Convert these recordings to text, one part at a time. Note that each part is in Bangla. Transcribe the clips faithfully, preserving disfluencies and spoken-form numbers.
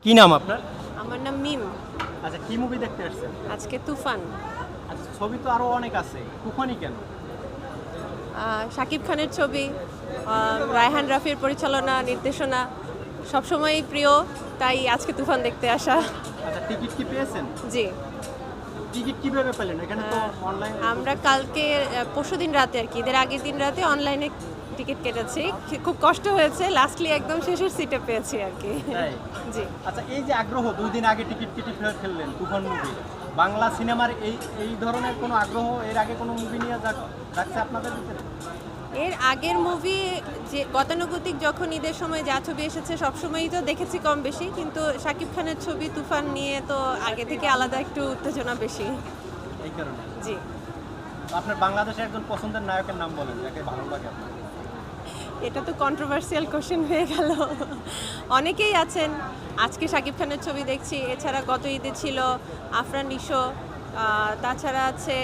কি নাম আপনার? আমার নাম মিম। আচ্ছা, কি মুভি দেখতে আসছেন? আজকে তুফান। আচ্ছা, ছবি তো আরো অনেক আছে, তুফানই কেন? আহ, শাকিব খানের ছবি, আহ, রায়হান রাফির পরিচালনা নির্দেশনা সবসময়ই প্রিয়, তাই আজকে তুফান দেখতে আসা। আচ্ছা, টিকিট কি পেয়েছেন? জি, টিকিট কিভাবে পেলেন? এখানে তো অনলাইন। আমরা কালকে পরশু দিন রাতে আর কি ঈদের আগের দিন রাতে অনলাইনে টিকিট কেটেছি। খুব কষ্ট হয়েছে, লাস্টলি একদম শেষের সিটে পেয়েছি আর কি। তাই? জি। আচ্ছা, এই যে আগ্রহ, দুই দিন আগে টিকিট কেটে ফেলে ফেললেন তুফান মুভি, বাংলা সিনেমার এই এই ধরনের কোনো আগ্রহ এর আগে কোনো মুভি নিয়ে যাক- যাচ্ছে আপনাদের ভিতরে? এর আগের মুভি যে গতানুগতিক যখন ঈদের সময় যা ছবি এসেছে সবসময়ই তো দেখেছি কম বেশি, কিন্তু শাকিব খানের ছবি তুফান নিয়ে তো আগে থেকে আলাদা একটু উত্তেজনা বেশি। এই কারণে জি, আপনার বাংলাদেশের একজন পছন্দের নায়কের নাম বলেন, যাকে ভালো লাগে আপনার। এটা তো কন্ট্রোভার্সিয়াল কোশ্চেন হয়ে গেল। অনেকেই আছেন, আজকে শাকিব খানের ছবি দেখছি, এছাড়া গত ঈদে ছিল আফরান নিশো, আহ, তাছাড়া আছে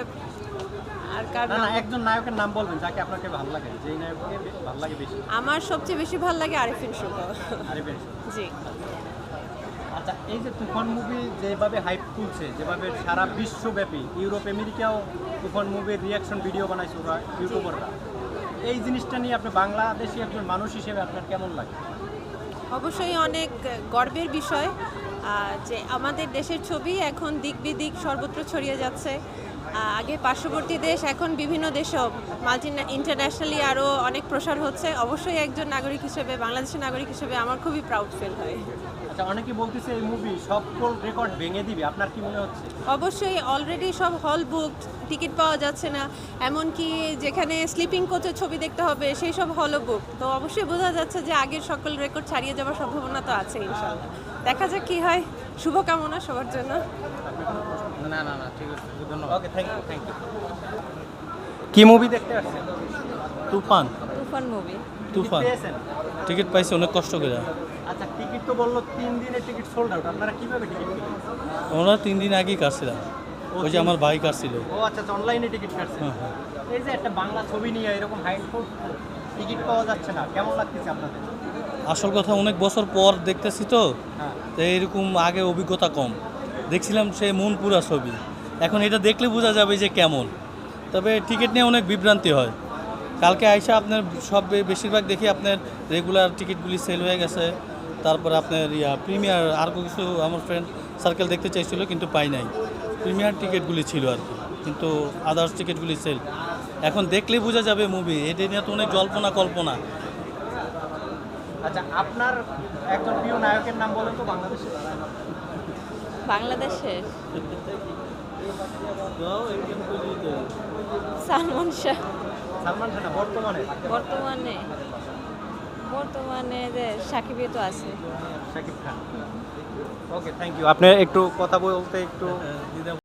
আর কার না নাম? না, একজন নায়কের নাম বলবেন যাকে আপনাকে ভালো লাগে, যেই নায়ককে বে- ভালো লাগে বেশি। আমার সবচেয়ে বেশি ভালো লাগে আরিফিন শুভ। আরে বেশ। জি। আচ্ছা, এই যে তুফান মুভি যেভাবে হাইপ তুলছে, যেভাবে সারা বিশ্বব্যাপী, ইউরোপ আমেরিকাও তুফান মুভির রিয়াকশন ভিডিও বানাইছে ওরা ইউটিউবাররা, এই জিনিসটা নিয়ে আপনি বাংলাদেশি একজন মানুষ হিসেবে আপনার কেমন লাগে? অবশ্যই অনেক গর্বের বিষয় আহ, যে আমাদের দেশের ছবি এখন দিক বিদিক সর্বত্র ছড়িয়ে যাচ্ছে। আহ, আগে পার্শ্ববর্তী দেশ, এখন বিভিন্ন দেশেও মাল্টি ইন্টারন্যাশনালি আরও অনেক প্রসার হচ্ছে। অবশ্যই একজন নাগরিক হিসেবে, বাংলাদেশের নাগরিক হিসেবে আমার খুবই প্রাউড ফিল হয়। আচ্ছা, অনেকে বলতেছে এই মুভি সকল রেকর্ড ভেঙে দিবে, আপনার কি মনে হচ্ছে? অবশ্যই অলরেডি সব হল বুকড, টিকিট পাওয়া যাচ্ছে না, এমনকি যেখানে স্লিপিং কোচে ছবি দেখতে হবে সেই সব হলও বুক। তো অবশ্যই বোঝা যাচ্ছে যে আগের সকল রেকর্ড ছাড়িয়ে যাওয়ার সম্ভাবনা তো আছে ইনশাআল্লাহ। দেখা যাক কি হয়, শুভকামনা সবার জন্য। না না না, ঠিক আছে, ধন্যবাদ। Okay, thank you, thank you. কি মুভি দেখতে আসছেন? তুফান তুফান মুভি। তুফান পেয়েছেন? টিকিট পাইছি অনেক কষ্ট করে। আচ্ছা, টিকিট তো বললো তিন দিনের টিকিট সোল্ড আউট, আপনারা কিভাবে টিকিট পেলেন? আমরা তিন দিন আগেই কাটছিলাম, ওই যে আমার ভাই কাটছিল। ও আচ্ছা, অনলাইনে টিকিট কাটছেন। হ্যাঁ, হ্যাঁ। এই যে একটা বাংলা ছবি নিয়ে এরকম হাই টিকিট পাওয়া যাচ্ছে না, কেমন লাগতেছে আপনাদের? আসল কথা অনেক বছর পর দেখতেছি তো, হ্যাঁ। তো এইরকম আগে অভিজ্ঞতা কম দেখছিলাম, সে মন পুরা ছবি। এখন এটা দেখলে বোঝা যাবে যে কেমন। তবে টিকিট নিয়ে অনেক বিভ্রান্তি হয়। কালকে আইসা আপনার সব বে- বেশিরভাগ দেখি আপনার রেগুলার টিকিটগুলি সেল হয়ে গেছে। তারপরে আপনার ইয়া প্রিমিয়ার আর কিছু আমার ফ্রেন্ড সার্কেল দেখতে চাইছিল কিন্তু পাই নাই। প্রিমিয়ার টিকিটগুলি ছিল আর কি, কিন্তু আদার্স টিকিটগুলি সেল। এখন দেখলেই বোঝা যাবে মুভি, এটা নিয়ে তো অনেক জল্পনা কল্পনা। আচ্ছা, আপনার একজন প্রিয় নায়কের নাম বলেন তো বাংলাদেশে। বাংলাদেশের সালমান শাহ। সালমান খান না, বর্তমানে বর্তমানে বর্তমানে যে সাকিবই তো আছে। Shakib Khan. Okay, thank you. আপনি একটু কথা বলতে একটু